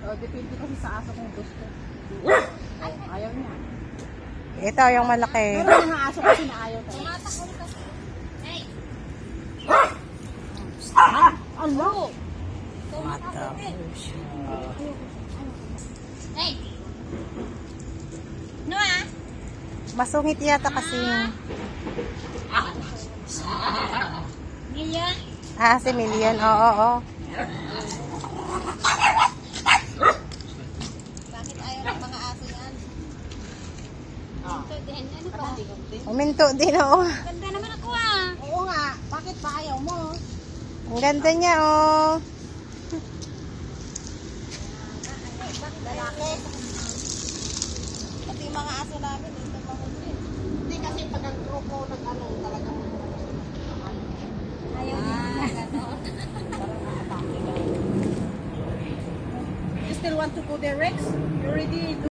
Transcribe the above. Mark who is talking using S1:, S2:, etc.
S1: depende kasi sa aso kung gusto. Ayaw niya.
S2: Ito yung malaki.
S1: Pero yung mga aso kasi na ayaw talaga.
S3: Hey!
S1: Ano?
S3: Hey! No ah?
S2: Masungit yata kasi.
S3: Million?
S2: Si Million. Oo.
S3: Bakit ayaw ng mga aso yan? Ito din, ano ba?
S2: Uminto din, oo.
S3: Ganda naman ako ah.
S1: Oo nga. Bakit ba ayaw mo?
S2: Ang ganda niya, oh.
S1: Lalaki.
S3: Pati yung mga aso namin, ito pa
S1: Hindi kasi pag ang grupo ng ano talagang
S3: ayaw nila. Ganon.
S1: you still want to go there, Rex? You already